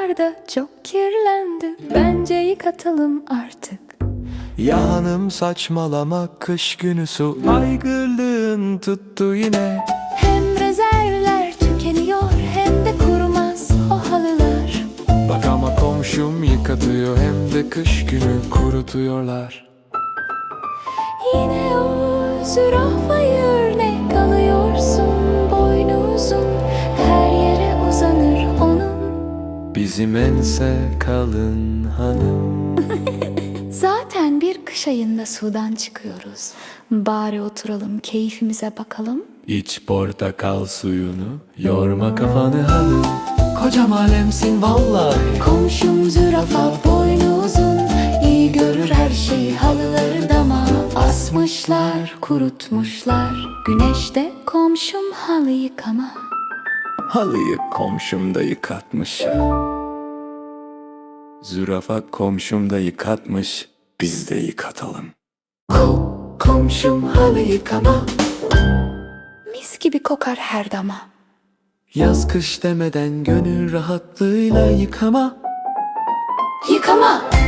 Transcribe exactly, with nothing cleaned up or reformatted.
halılarda çok kirlendi. Bence yıkatalım artık. Ya hanım saçmalama, kış günü su aygırlığın tuttu yine. Hem rezervler tükeniyor hem de kurumaz o halılar. Bak ama komşum yıkatıyor, hem de kış günü kurutuyorlar. Yine o zürafayı örnek alıyorsun, boynu uzun, her yere uzanır onun. Bizim ense kalın hanım. Zaten bir kış ayında sudan çıkıyoruz. Bari oturalım, keyfimize bakalım. İç portakal suyunu, yorma kafanı hanım. Kocam alemsin vallahi. Komşum zürafa, boynu uzun, iyi görür her şeyi. Halıları dama asmışlar, kurutmuşlar. Güneşte komşum halı yıkama. Halıyı komşum da yıkatmış. Zürafa komşum da yıkatmış, biz de yıkatalım. Ko komşum halı yıkama. Mis gibi kokar her dama. Yaz kış demeden gönül rahatlığıyla yıkama. Yıkama.